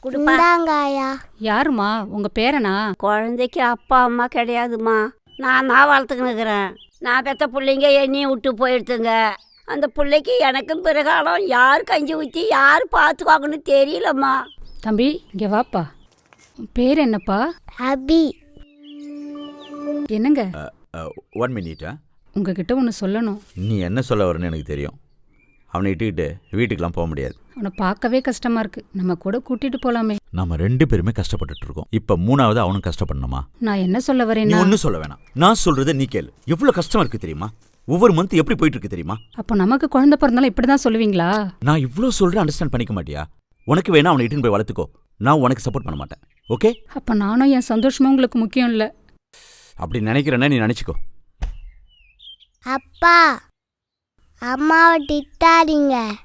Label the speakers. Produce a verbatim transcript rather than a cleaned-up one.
Speaker 1: குடுப்பாங்காயா.
Speaker 2: யாருமா உங்க பேரனா?
Speaker 1: குழந்தைக்கு அப்பா அம்மா கிடையாதுமா. நான் தான் வளர்த்துக்கின்னு இருக்கிறேன். நான் பெற்ற பிள்ளைங்க என்னையும் விட்டு போயிடுத்துங்க. அந்த பிள்ளைக்கு எனக்கும் பிறகாலம் யார் கஞ்சி ஊற்றி யார் பார்த்துக்குவாங்கன்னு தெரியலம்மா.
Speaker 2: தம்பி இங்க வாப்பா. உன் பேர் என்னப்பா?
Speaker 1: அபி.
Speaker 2: என்னங்க
Speaker 3: ஒன் மினிட்டா.
Speaker 2: உங்ககிட்ட ஒன்று சொல்லணும்.
Speaker 3: நீ என்ன சொல்ல வரேன்னு எனக்கு தெரியும். அவனை இட்டுக்கிட்டு வீட்டுக்கெல்லாம் போக முடியாது.
Speaker 2: அவனை பார்க்கவே கஷ்டமா இருக்கு. நம்ம கூட கூட்டிட்டு போலாமே.
Speaker 3: நம்ம ரெண்டு பேருமே கஷ்டப்பட்டுட்டு இருக்கோம். இப்ப மூணாவது அவனும் கஷ்டப்படணுமா?
Speaker 2: நான் என்ன சொல்ல
Speaker 3: நீ
Speaker 2: வரேன்னா,
Speaker 3: ஒன்னும் சொல்ல வேணாம். நான் சொல்றத நீ கேளு. எவ்வளவு கஷ்டமா இருக்கு தெரியுமா? ஒவ்வொரு மந்த் எப்படி போயிட்டு இருக்கு தெரியுமா?
Speaker 2: அப்போ நமக்கு குழந்தை பிறந்தாலும் இப்படிதான் சொல்லுவீங்களா?
Speaker 3: நான் இவ்ளோ சொல்றேன், அண்டர்ஸ்டாண்ட் பண்ணிக்க மாட்டியா? உனக்கு வேணா அவனை இட்டுன்னு போய் வளர்த்துக்கோ. நான் உனக்கு சப்போர்ட் பண்ண மாட்டேன். ஓகே?
Speaker 2: அப்ப நானும் என் சந்தோஷமும் உங்களுக்கு முக்கியம் இல்ல.
Speaker 3: அப்படி நினைக்கிறேன்னா நீ நினைச்சுக்கோ.
Speaker 1: அப்பா அம்மாவை திட்டாதீங்க.